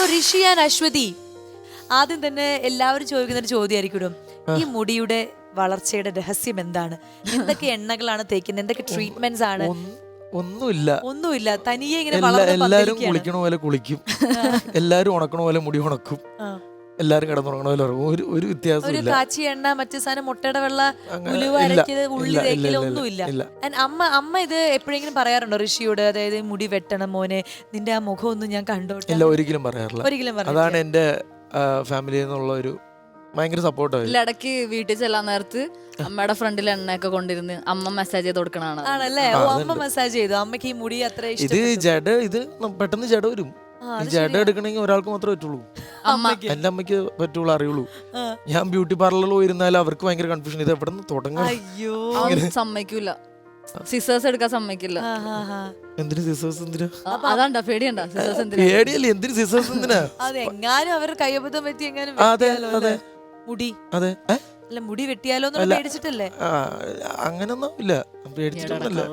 ഋഷി and Aswathy, ആദ്യം തന്നെ എല്ലാവരും ചോദിക്കുന്ന ഒരു ചോദ്യമായിരിക്കും, ഈ മുടിയുടെ വളർച്ചയുടെ രഹസ്യം എന്താണ്? എന്തൊക്കെ എണ്ണകളാണ് തേക്കുന്നത്? എന്തൊക്കെ ട്രീറ്റ്മെന്റ്സ് ആണ്? ഒന്നുമില്ല, തനിയെ ഇങ്ങനെ എല്ലാരും കുളിക്കണ പോലെ കുളിക്കും, എല്ലാരും ഉണക്കണ പോലെ മുടി ഉണക്കും, എല്ലാരും കിടന്നുറങ്ങണ പോലെ ഉറങ്ങും. ഒരു വ്യത്യാസം കാച്ചി എണ്ണ, മറ്റു സാധനം, മുട്ടയുടെ വെള്ള, ഉലുവ അരക്കിയത്, ഉള്ളി തേക്കല് ഒന്നുമില്ല. അമ്മ ഇത് എപ്പോഴെങ്കിലും പറയാറുണ്ടോ ഋഷിയോട്? അതായത് മുടി വെട്ടണം മോനെ, നിന്റെ ആ മുഖം ഒന്നും ഞാൻ കണ്ടോട്ടെ? ഒരിക്കലും പറയാറില്ല. അതാണ് എന്റെ ഫാമിലിയിൽ നിന്നുള്ള ഒരു ഭയങ്കര സപ്പോർട്ട്. ഇടയ്ക്ക് വീട്ടിൽ ചെല്ലാൻ നേരത്ത് അമ്മയുടെ ഫ്രണ്ടിൽ എണ്ണയൊക്കെ കൊണ്ടിരുന്ന് അമ്മ മെസ്സേജ് ചെയ്ത് കൊടുക്കണാണ്. ആണല്ലേ? അമ്മ മസാജ് ചെയ്തു. അമ്മക്ക് ഈ മുടി അത്ര ഇത് പെട്ടെന്ന് ജട വരും. ജട എടുക്കണമെങ്കിൽ ഒരാൾക്ക് മാത്രമേ പറ്റുള്ളൂ. എന്റെ അമ്മയ്ക്ക് പറ്റുള്ളൂ, അറിയുള്ളൂ. ഞാൻ ബ്യൂട്ടി പാർലറിൽ പോയിരുന്നാലും അവർക്ക് ഭയങ്കര കൺഫ്യൂഷൻ, ഇത് എവിടെ നിന്ന് തുടങ്ങാം. സമ്മതിക്കൂല, സിസേഴ്സ് എടുക്കാൻ സമ്മതിക്കില്ല. എന്തിനു സിസേഴ്സ്? എന്തിനാ? അതാണ്ടാ പേടിയണ്ട? പേടിയല്ലേ, എന്തിനു സിസേഴ്സ്? എന്തിനാ? അതെങ്ങാനും അവർ കയ്യബദ്ധം പറ്റി എങ്ങാനും മുടി അല്ല മുടി വെട്ടിയാലോ പേടിച്ചിട്ടല്ലേ? അങ്ങനൊന്നും ഇല്ല, പേടിച്ചിട്ടൊന്നുമില്ല.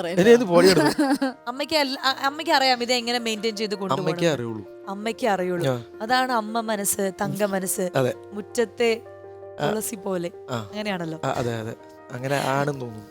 അമ്മയ്ക്ക് അറിയാം ഇത് എങ്ങനെ മെയിൻറ്റെയിൻ ചെയ്ത് കൊണ്ടുപോകും. അമ്മയ്ക്ക് അറിയുള്ളൂ. അതാണ് അമ്മ മനസ്സ്, തങ്ക മനസ്സ്, മുറ്റത്തെ തുളസി പോലെ. അങ്ങനെയാണല്ലോ. അതെ അതെ, അങ്ങനെ ആണെന്ന് തോന്നുന്നു.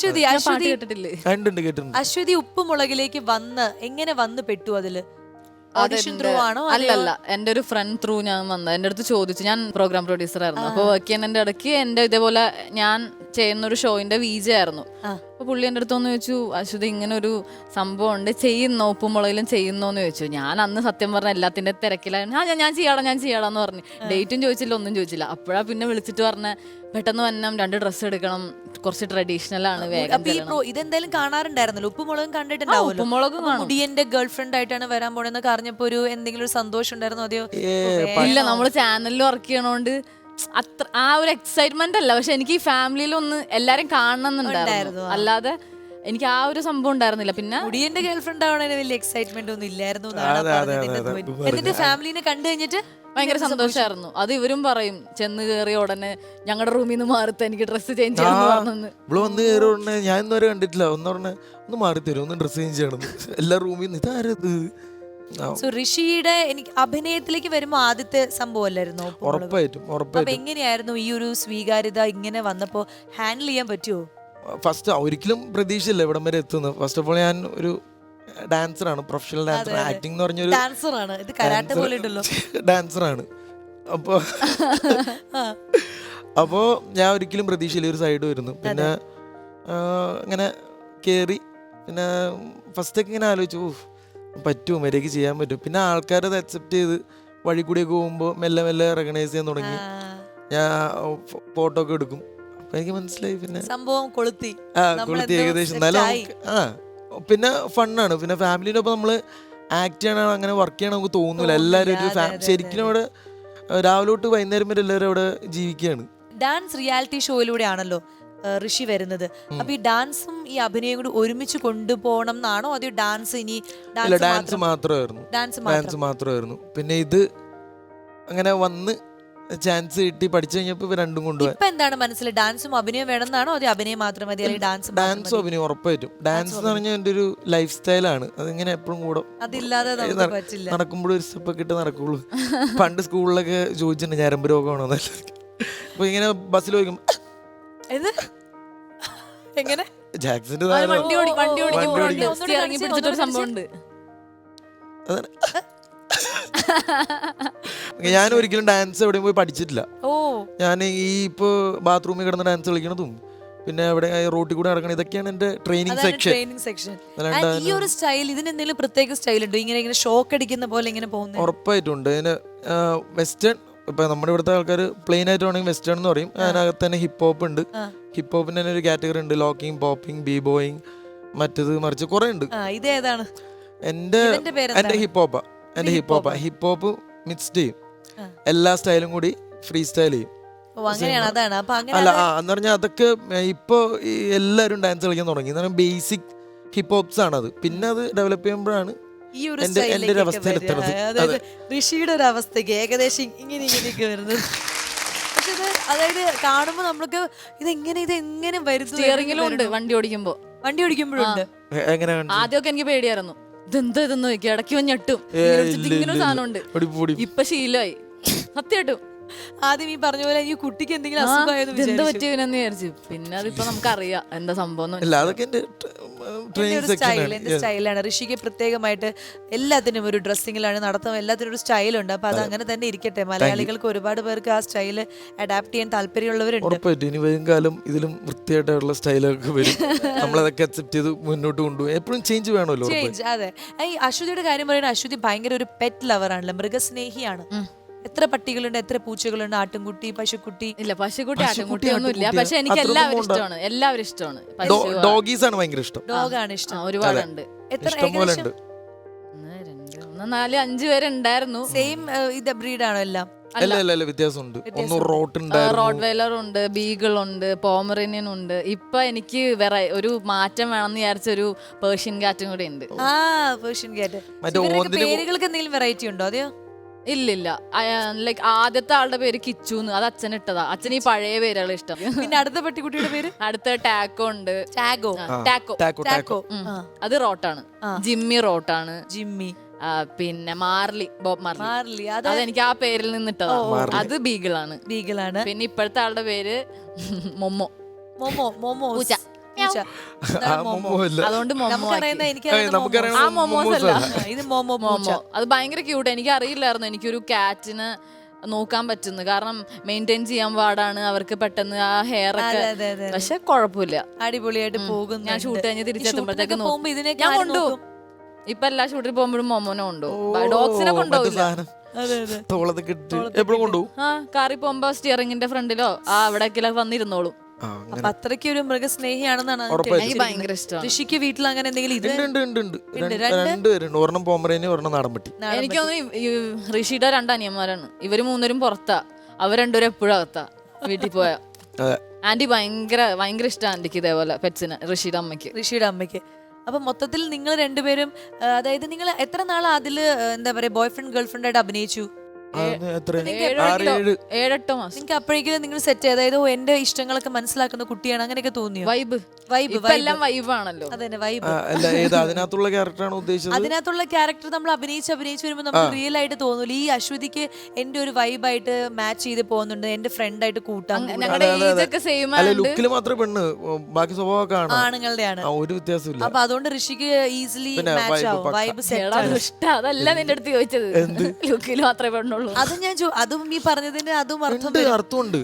അശ്വതി ഉപ്പുമുളകിലേക്ക് എങ്ങനെ വന്ന് പെട്ടു അതില്? അല്ലല്ല, എന്റെ ഒരു ഫ്രണ്ട് ത്രൂ ഞാൻ വന്നത്. എന്റെ അടുത്ത് ചോദിച്ചു, ഞാൻ പ്രോഗ്രാം പ്രൊഡ്യൂസർ ആയിരുന്നു. അപ്പൊ വർക്ക് ചെയ്യുന്നതിന്റെ ഇടയ്ക്ക് എന്റെ ഇതേപോലെ ഞാൻ ചെയ്യുന്ന ഒരു ഷോയിന്റെ VJ ആയിരുന്നു. അപ്പൊ പുള്ളി എന്റെ അടുത്ത് ഒന്ന് ചോദിച്ചു, അശ്വതി ഇങ്ങനെ ഒരു സംഭവം ഉണ്ട്, ചെയ്യുന്നോ, ഉപ്പുമുളകിലും ചെയ്യുന്നോന്ന് ചോദിച്ചു. ഞാൻ അന്ന് സത്യം പറഞ്ഞ എല്ലാത്തിന്റെ തിരക്കിലായിരുന്നു. ഞാൻ ചെയ്യാടാന്ന് പറഞ്ഞു. ഡേറ്റും ചോദിച്ചില്ല, ഒന്നും ചോദിച്ചില്ല. അപ്പോഴാ പിന്നെ വിളിച്ചിട്ട് പറഞ്ഞ, പെട്ടെന്ന് വന്നം, 2 ഡ്രസ്സ് എടുക്കണം, കുറച്ച് ട്രഡീഷണൽ ആണ്, വേഗം. ഇതെന്തായാലും കാണാറുണ്ടായിരുന്നല്ലോ, ഉപ്പുമുളകും കണ്ടിട്ടുണ്ടാവുമല്ലോ. ഉപ്പുമുളകും മുടിയന്റെ ഗേൾ ഫ്രണ്ട് ആയിട്ടാണ് വരാൻ പോണെന്നൊക്കെ അറിഞ്ഞപ്പോ എന്തെങ്കിലും ഒരു സന്തോഷം ഉണ്ടായിരുന്നോ? അതെയോ? ഇല്ല, നമ്മള് ചാനലിൽ വർക്ക് ചെയ്യണോണ്ട് അത്ര ആ ഒരു എക്സൈറ്റ്മെന്റ് അല്ല. പക്ഷെ എനിക്ക് ഈ ഫാമിലിയിൽ ഒന്ന് എല്ലാരും കാണണമെന്നുണ്ടായിരുന്നു, അല്ലാതെ എനിക്ക് ആ ഒരു സംഭവം ഉണ്ടായിരുന്നില്ല. പിന്നെ മുടിയന്റെ ഗേൾ ഫ്രണ്ട് ആവണേ വലിയ എക്സൈറ്റ്മെന്റ് ഒന്നും ഇല്ലായിരുന്നു. എന്നിട്ട് ഫാമിലിനെ കണ്ടു കഴിഞ്ഞിട്ട് ഭയങ്കര സന്തോഷമായിരുന്നു. അത് ഇവരും പറയും, ചെന്ന് കയറിയ ഉടനെ ഞങ്ങളുടെ റൂമിൽ നിന്ന് മാറിത്ത എനിക്ക് ഡ്രസ്സ് ചേഞ്ച് ചെയ്യണമെന്ന്. ഇവിടെ വന്ന് കയറിയ ഉടനെ ഞാൻ ഇന്നുവരെ കണ്ടിട്ടില്ല, ഒന്ന് മാറി തരും, ഒന്ന് ഡ്രസ്സ് ചേഞ്ച് ചെയ്യണം, എല്ലാ റൂമിൽ നിന്ന് ഇതാരത്. ഋഷിയുടെ എനിക്ക് അഭിനയത്തിലേക്ക് വരുമ്പോ ആദ്യത്തെ സംഭവം അല്ലായിരുന്നു? ഉറപ്പായിട്ടും. എങ്ങനെയായിരുന്നു ഈ ഒരു സ്വീകാര്യത ഇങ്ങനെ വന്നപ്പോ ഹാൻഡിൽ ചെയ്യാൻ പറ്റുമോ? ഫസ്റ്റ് ഒരിക്കലും പ്രതീക്ഷയില്ല ഇവിടം വരെ എത്തുന്നത്. ഫസ്റ്റ് ഓഫ് ഓൾ ഞാൻ ഒരു ഡാൻസറാണ്, പ്രൊഫഷണൽ ഡാൻസർ. ആക്ടിംഗ് എന്ന് പറഞ്ഞൊരു ഡാൻസറാണ്. അപ്പോ ഞാൻ ഒരിക്കലും പ്രതീക്ഷയില്ല ഒരു സൈഡ് വരുന്നു. പിന്നെ അങ്ങനെ കേറി, പിന്നെ ഫസ്റ്റൊക്കെ ഇങ്ങനെ ആലോചിച്ചു, പറ്റുമോ, മര്യാദയ്ക്ക് ചെയ്യാൻ പറ്റും. പിന്നെ ആൾക്കാരത് അക്സെപ്റ്റ് ചെയ്ത് വഴി കൂടിയൊക്കെ പോകുമ്പോൾ മെല്ലെ മെല്ലെ റെക്കഗ്നൈസ് ചെയ്യാൻ തുടങ്ങി. ഞാൻ ഫോട്ടോ ഒക്കെ എടുക്കും. അപ്പൊ എനിക്ക് മനസ്സിലായി, പിന്നെ സംഭവം കൊളുത്തി ഏകദേശം. എന്നാലും പിന്നെ ഫണ്ണാണ്. പിന്നെ ഫാമിലിനൊപ്പം നമ്മള് ആക്ട് ചെയ്യണ, അങ്ങനെ വർക്ക് ചെയ്യണം നമുക്ക് തോന്നൂല. എല്ലാവരും ഒരു ശരിക്കും അവിടെ രാവിലെ തൊട്ട് വൈകുന്നേരം വരെ എല്ലാവരും അവിടെ ജീവിക്കുകയാണ്. ഡാൻസ് റിയാലിറ്റി ഷോയിലൂടെ ആണല്ലോ ഋഷി വരുന്നത്. അപ്പൊ ഈ ഡാൻസും ഈ അഭിനയം കൂടി ഒരുമിച്ച് കൊണ്ടുപോകണം എന്നാണോ, അതോ ഡാൻസ് ഇനി ഡാൻസ് മാത്രമായിരുന്നു. പിന്നെ ഇത് അങ്ങനെ വന്ന് ചാൻസ് കിട്ടി, പഠിച്ചു കഴിഞ്ഞപ്പോ രണ്ടും കൊണ്ടുപോയി. ഇപ്പൊ എന്താണ് മനസ്സിൽ, ഡാൻസും അഭിനയം വേണമെന്നാണോ, അതോ അഭിനയം മാത്രം മതി, അല്ലെങ്കിൽ ഡാൻസും അഭിനയം ഉറപ്പായിട്ടും. ഡാൻസ് എന്ന് പറഞ്ഞാൽ എന്റെ ഒരു ലൈഫ് സ്റ്റൈലാണ്. അതിങ്ങനെ എപ്പോഴും കൂടെ അതില്ലാതെ നടക്കുമ്പോഴും ഒരു സ്റ്റെപ്പ് ഒക്കെ ഇട്ട് നടക്കുള്ളൂ. പണ്ട് സ്കൂളിലൊക്കെ ചോദിച്ചിട്ടുണ്ട് ഞരമ്പ് രോഗമാണോ. അപ്പൊ ഇങ്ങനെ ബസ്സിൽ പോയിക്കുമ്പോ എങ്ങനെ ജാക്സന്റെ ഞാൻ ഒരിക്കലും ഡാൻസ് എവിടെയും പോയി പഠിച്ചിട്ടില്ല. ഞാൻ ഈ ഇപ്പൊ ബാത്റൂമിൽ കിടന്ന് ഡാൻസ് കളിക്കണതും പിന്നെ എവിടെ റോട്ടിൽ കൂടെ നടക്കണം, ഇതൊക്കെയാണ് എന്റെ ട്രെയിനിങ് സെക്ഷൻ. ഈ ഒരു സ്റ്റൈൽ, ഇതിന് എന്തെങ്കിലും പ്രത്യേക സ്റ്റൈൽ ഉണ്ടോ? ഇങ്ങനെ ഷോക്ക് അടിക്കുന്ന പോലെ ഇങ്ങനെ പോകുന്നത്? ഉറപ്പായിട്ടുണ്ട്. ഇതിന് വെസ്റ്റേൺ, ഇപ്പൊ നമ്മുടെ ഇവിടുത്തെ ആൾക്കാർ പ്ലെയിൻ ആയിട്ട് വേണമെങ്കിൽ വെസ്റ്റേൺ എന്ന് പറയും. അതിനകത്ത് തന്നെ ഹിപ്പ് ഹോപ്പ് ഉണ്ട്. ഹിപ്പ് ഹോപ്പിന് തന്നെ ഒരു കാറ്റഗറി ഉണ്ട്, ലോക്കിംഗ്, പോപ്പിംഗ്, ബീ ബോയിങ്, മറ്റത് മറിച്ച് കുറെ ഉണ്ട്. ഇതേതാണ്? എന്റെ ഹിപ്പ് ഹോപ്പ് മിക്സ്ഡ് ചെയ്യും, എല്ലാ സ്റ്റൈലും കൂടി ഫ്രീ സ്റ്റൈൽ ചെയ്യും. അല്ല എന്ന് പറഞ്ഞാൽ അതൊക്കെ ഇപ്പൊ എല്ലാരും ഡാൻസ് കളിക്കാൻ തുടങ്ങി. ബേസിക് ഹിപ്പ് ഹോപ്സ് ആണത്. പിന്നെ അത് ഡെവലപ്പ് ചെയ്യുമ്പോഴാണ് എന്റെ ഒരു അവസ്ഥയിലെത്തുന്നത്. ഋഷിയുടെ ഒരു അവസ്ഥയ്ക്ക് ഏകദേശം ഇങ്ങനെയൊക്കെ വരുന്നത്. പക്ഷെ ഇത് അതായത് കാണുമ്പോ നമ്മൾക്ക് ഇതെങ്ങനെ വരുന്നു. സ്റ്റിയറിംഗിലും ഉണ്ട്, വണ്ടി ഓടിക്കുമ്പോഴുണ്ട്. ആദ്യമൊക്കെ എനിക്ക് പേടിയായിരുന്നു, ഇതെന്താ ഇതെന്ന് നോക്കി ഇടയ്ക്ക് വന്ന് ഞെട്ടും ഇങ്ങനെ ഒരു സാധനം ഉണ്ട്. ഇപ്പൊ ശീലമായി സത്യമായിട്ടും. ആദ്യം ഈ പറഞ്ഞ പോലെ ഈ കുട്ടിക്ക് എന്തെങ്കിലും അസുഖമായെന്ന് എന്താ വിചാരിച്ചു. പറ്റിയവനെന്ന് വിചാരിച്ചു. പിന്നെ അതിപ്പോ നമുക്കറിയാം എന്താ സംഭവം. അതൊക്കെ എന്റെ എന്റെ സ്റ്റൈലാണ്. ഋഷിക്ക് പ്രത്യേകമായിട്ട് എല്ലാത്തിനും ഒരു ഡ്രസ്സിങ്ങിലാണ് നടത്തം, എല്ലാത്തിനും ഒരു സ്റ്റൈലുണ്ട്. അപ്പൊ അത് അങ്ങനെ തന്നെ ഇരിക്കട്ടെ. മലയാളികൾക്ക് ഒരുപാട് പേർക്ക് ആ സ്റ്റൈല് അഡാപ്റ്റ് ചെയ്യാൻ താല്പര്യമുള്ളവരുണ്ട്. ഉറപ്പായിട്ടും ഇനി വരും കാലം ഇതിലും വൃത്തിയായിട്ടുള്ള സ്റ്റൈലൊക്കെ വരും. നമ്മളതൊക്കെ അക്സെപ്റ്റ് ചെയ്ത് മുന്നോട്ട് കൊണ്ടുപോകും. എപ്പോഴും ചേഞ്ച് വേണമല്ലോ. ചേഞ്ച്, അതെ. ഈ അശ്വതിയുടെ കാര്യം പറയുന്നത്, അശ്വതി ഭയങ്കര ഒരു പെറ്റ് ലവർ ആണല്ലോ, മൃഗസ്നേഹിയാണ്. എത്ര പട്ടികളുണ്ട്, എത്ര പൂച്ചകളുണ്ട്, ആട്ടുംകുട്ടി, പശുക്കുട്ടി? ഇല്ല, പശുക്കുട്ടി ആട്ടുംകുട്ടി ഒന്നും ഇല്ല. പക്ഷെ എനിക്ക് എല്ലാവരും ഇഷ്ടമാണ്, എല്ലാവരും ഇഷ്ടമാണ്. ഡോഗീസ് ആണ് ഭയങ്കര ഇഷ്ടം. ഡോഗാണ് ഇഷ്ടം. ഒരുപാടുണ്ട്. എത്ര? ഏകദേശം 1, 4, 5 പേരുണ്ടായിരുന്നു. സെയിം ഇത് ബ്രീഡാണോ എല്ലാം? അല്ല, വ്യത്യാസമുണ്ട്. ഒന്ന് റോഡ് വെയിലർ ഉണ്ട്, ബീഗിൾ ഉണ്ട്, പോമറേനിയൻ ഉണ്ട്. ഇപ്പൊ എനിക്ക് വേറെ ഒരു മാറ്റം വേണമെന്ന് വിചാരിച്ച ഒരു പേർഷ്യൻ കാറ്റും കൂടെ ഉണ്ട്. പേർഷ്യൻ കാറ്റ്. പേരുകൾക്ക് എന്തെങ്കിലും വെറൈറ്റി ഉണ്ടോ? അതെയോ? ഇല്ല, ലൈക്ക് ആദ്യത്തെ ആളുടെ പേര് കിച്ചുന്ന്, അത് അച്ഛൻ ഇട്ടതാ. അച്ഛൻ ഈ പഴയ പേരുകൾ ഇഷ്ടം. പിന്നെ അടുത്ത പട്ടിക്കുട്ടിയുടെ പേര്? അടുത്ത ടാക്കോ ഉണ്ട്. ടാക്കോ. അത് റോട്ടാണ്. ജിമ്മി റോട്ടാണ്. ജിമ്മി. പിന്നെ മാർലി, ബോബ് മാർലി. അത് എനിക്ക് ആ പേരിൽ നിന്നിട്ടതാ. അത് ബീഗിളാണ്. പിന്നെ ഇപ്പോഴത്തെ ആളുടെ പേര് മൊമോ. പൂച്ച. അതുകൊണ്ട് ഇത് മോമോ. അത് ഭയങ്കര ക്യൂട്ട്. എനിക്ക് അറിയില്ലായിരുന്നു എനിക്കൊരു കാറ്റിന് നോക്കാൻ പറ്റുന്നു. കാരണം മെയിൻറ്റെയിൻ ചെയ്യാൻ പാടാണ് അവർക്ക് പെട്ടെന്ന് ആ ഹെയർ ഒക്കെ. പക്ഷെ കുഴപ്പമില്ല, അടിപൊളിയായിട്ട് പോകും. ഞാൻ ഷൂട്ട് കഴിഞ്ഞ് തിരിച്ചെത്തുമ്പോഴത്തേക്ക് ഞാൻ കൊണ്ടുപോകും. ഇപ്പൊ എല്ലാ ഷൂട്ടിൽ പോകുമ്പോഴും മൊമോനെ കൊണ്ടുപോകും. ഡോഗ്സിനെ കൊണ്ടുപോകില്ല. കാറിൽ പോകുമ്പോ സ്റ്റിയറിംഗിന്റെ ഫ്രണ്ടിലോ അവിടേക്കെല്ലാം വന്നിരുന്നോളും. അപ്പൊ അത്രയ്ക്ക് ഒരു മൃഗസ്നേഹിയാണെന്നാണ് എനിക്ക് ഭയങ്കര ഇഷ്ടം. ഋഷിക്ക് വീട്ടിൽ അങ്ങനെ എന്തെങ്കിലും? ഒരെണ്ണം പോമറേനിയൻ, ഒരെണ്ണം നാടൻപട്ടി. എനിക്ക് തോന്നുന്നു ഋഷിയുടെ 2 അനിയന്മാരാണ്. ഇവര് 3 പുറത്താ, അവർ 2 എപ്പോഴും അകത്താ വീട്ടിൽ പോയാ. ആന്റി ഭയങ്കര ഇഷ്ടം ആന്റിക്ക് ഇതേപോലെ പെറ്റ്സിന്, ഋഷിയുടെ അമ്മയ്ക്ക്. അപ്പൊ മൊത്തത്തിൽ നിങ്ങൾ രണ്ടുപേരും, അതായത് നിങ്ങൾ എത്ര നാൾ അതില് എന്താ പറയാ ബോയ് ഫ്രണ്ട് ഗേൾ ഫ്രണ്ട് ആയിട്ട് അഭിനയിച്ചു? 7-8 മാസം. നിങ്ങൾക്ക് അപ്പോഴേക്കും നിങ്ങൾ സെറ്റ്, അതായത് എന്റെ ഇഷ്ടങ്ങളൊക്കെ മനസ്സിലാക്കുന്ന കുട്ടിയാണ്, അങ്ങനെയൊക്കെ തോന്നിയോ? വൈബ് എല്ലാം വൈബാണല്ലോ. അതന്നെ, വൈബ്. അതിനകത്തുള്ള ക്യാരക്ടറാണ് ഉദ്ദേശിച്ചത്. അതിനകത്തുള്ള ക്യാരക്ടർ നമ്മൾ അഭിനയിച്ച് വരുമ്പോൾ നമുക്ക് റിയൽ ആയിട്ട് തോന്നൂല. ഈ അശ്വതിക്ക് എന്റെ ഒരു വൈബായിട്ട് മാച്ച് ചെയ്ത് പോകുന്നുണ്ട്, എന്റെ ഫ്രണ്ട് ആയിട്ട് കൂട്ടാൻ. ലുക്കില് മാത്രമേ പെണ്ണ്, ബാക്കി സ്വഭാവമൊക്കെ ആണുങ്ങളുടെയാണ്. ഒരു വ്യത്യാസമില്ല. അപ്പൊ അതുകൊണ്ട് ഋഷിക്ക് ഈസിലി മാച്ച് ആവും. Vibe set. അതല്ല നിന്റെ അടുത്ത് ചോദിച്ചത്, ലുക്കിൽ മാത്രമേ പെണ്ണുള്ളൂ. അതും ഞാൻ അതും ഈ പറഞ്ഞതിന്റെ അതും അർത്ഥമുണ്ട്.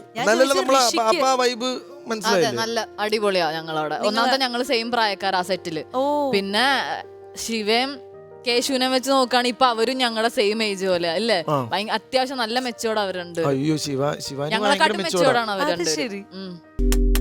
നല്ല അടിപൊളിയാ ഞങ്ങളവിടെ. ഒന്നാമത്തെ ഞങ്ങള് സെയിം പ്രായക്കാരാ സെറ്റില്. പിന്നെ ശിവയും കേശുവിനെ വെച്ച് നോക്കുകയാണെങ്കിൽ ഇപ്പൊ അവരും ഞങ്ങളുടെ സെയിം ഏജ് പോലെ അല്ലേ. അത്യാവശ്യം നല്ല മെച്ചോർഡ് അവരുണ്ട്. അയ്യോ, ഞങ്ങളെക്കാട്ടും മെച്ചോർഡാണ് അവരുണ്ട്. ശരി.